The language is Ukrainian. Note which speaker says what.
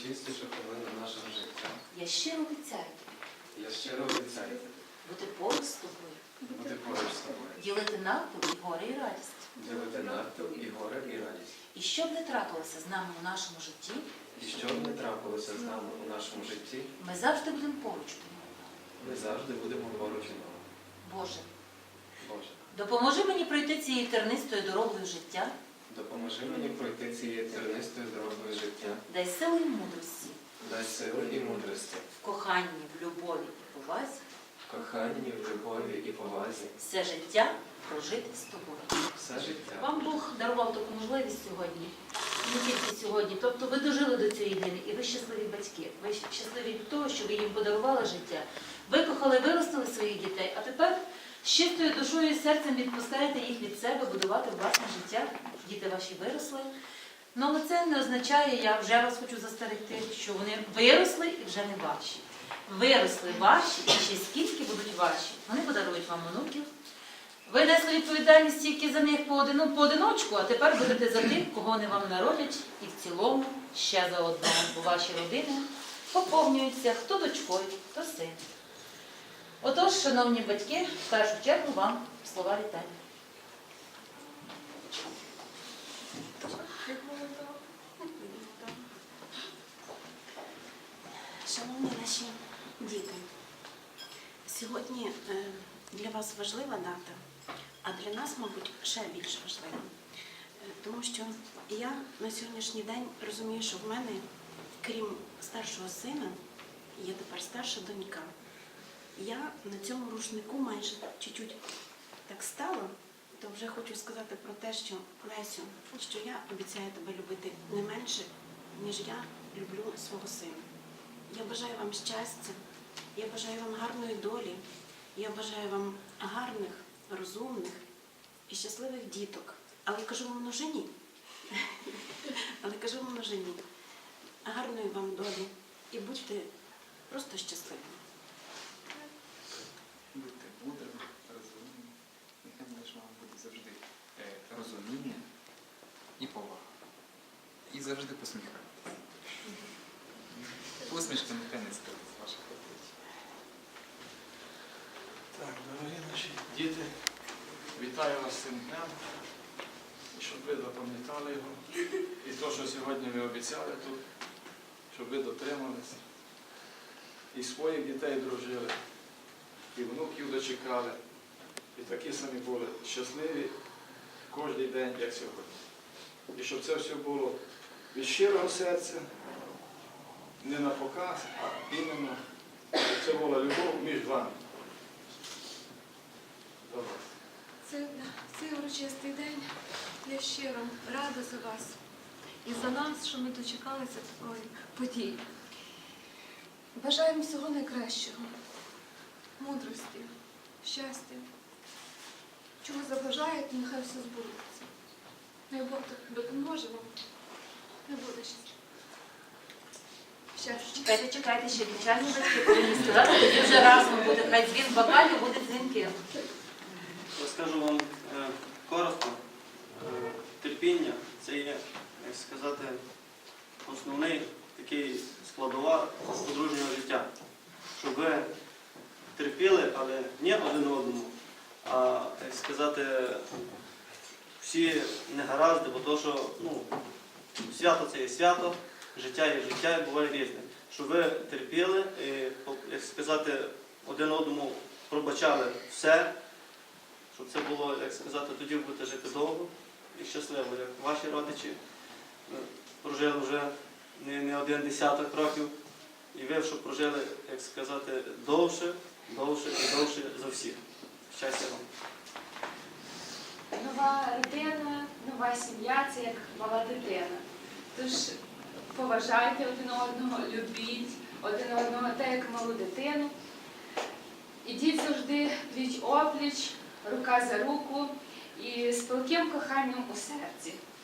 Speaker 1: найчистішу хвилину нашого життя.
Speaker 2: Я щиро обіцяю
Speaker 1: Я щиро обіцяю
Speaker 2: бути поруч з тобою,
Speaker 1: бути поруч з тобою,
Speaker 2: ділити навпіл і горе і радість.
Speaker 1: ділити навпіл і горе, і радість.
Speaker 2: І щоб не трапилося з нами у нашому житті,
Speaker 1: І що б не трапилося з нами у нашому житті,
Speaker 2: ми завжди будемо поруч один одного.
Speaker 1: ми завжди будемо поруч одного.
Speaker 2: Боже,
Speaker 1: Боже,
Speaker 2: допоможи мені пройти цією тернистою дорогою життя,
Speaker 1: допоможи мені пройти цією тернистою дорогою життя.
Speaker 2: дай сили і мудрості
Speaker 1: Дай сили і мудрості,
Speaker 2: в коханні, в любові і повазі
Speaker 1: в коханні, в любові і повазі.
Speaker 2: все життя прожити з тобою.
Speaker 1: Все життя.
Speaker 2: Вам Бог дарував таку можливість сьогодні, не тільки сьогодні. Тобто ви дожили до цієї дні, і ви щасливі батьки. Ви щасливі від того, що ви їм подарували життя. Викохали, виростили своїх дітей, а тепер з чистою душою і серцем відпускаєте їх від себе, будувати власне життя. Діти ваші виросли. Ну, але це не означає, я вже вас хочу застерегти, що вони виросли і вже не ваші. Виросли ваші, і ще скільки будуть ваші. Вони подарують вам онуків. Ви несли відповідальність тільки за них поодиночку, а тепер будете за тих, кого вони вам народять, і в цілому ще за одного, бо ваші родини поповнюються хто дочкою, хто син. Отож, шановні батьки, в першу чергу вам слова вітання.
Speaker 3: Шановні наші діти, сьогодні для вас важлива дата, а для нас, мабуть, ще більш важлива. Тому що я на сьогоднішній день розумію, що в мене, крім старшого сина, є тепер старша донька. Я на цьому рушнику майже чуть-чуть так стала, то вже хочу сказати про те, що, Лесю, що я обіцяю тебе любити не менше, ніж я люблю свого сина. Я бажаю вам щастя, я бажаю вам гарної долі, я бажаю вам гарних, розумних і щасливих діток. Але кажу вам множині. Але кажу вам множині. Гарної вам долі і будьте просто щасливими.
Speaker 4: Будьте мудрими, розумними, нехай між вами буде завжди розуміння і повага. І завжди посміхайтеся. Посмішка нехай не скрити з ваших облич.
Speaker 5: Так, дорогі наші діти, вітаю вас з цим днем, і щоб ви запам'ятали його. І те, що сьогодні ви обіцяли тут, щоб ви дотрималися. І своїх дітей дружили, і внуків дочекали, і такі самі були щасливі кожен день, як сьогодні. І щоб це все було від щирого серця, не на показ, а іменно, щоб це була любов між вами. До вас.
Speaker 6: Цей урочистий день я щиро рада за вас і за нас, що ми дочекалися такої події. Бажаємо всього найкращого, мудрості, щастя. Чого забажаєте, нехай все збудеться. Най Бог допоможе вам, не буде щастя.
Speaker 2: Чекайте, ще дівчатні батьки повинні сказати, тоді вже разом буде, хай дзвін бокалів буде дзвінки.
Speaker 7: Розкажу вам коротко. Терпіння – це є, як сказати, основний такий складова подружнього життя. Щоб ви терпіли, але не один одному, а, як сказати, всі негаразди, бо то, що свято – це є свято, життя є життя і буває різне. Щоб ви терпіли і, як сказати, один одному пробачали все, щоб це було, як сказати, тоді ви будете жити довго і щасливо, як ваші родичі прожили вже не один десяток років, і ви, щоб прожили, як сказати, довше, довше і довше за всіх. Щастя вам!
Speaker 6: Нова родина, нова сім'я – це як мала дитина. Тож поважайте один одного, любіть один одного так, як малу дитину. Ідіть завжди пліч-опліч, рука за руку і з палким коханням у серці.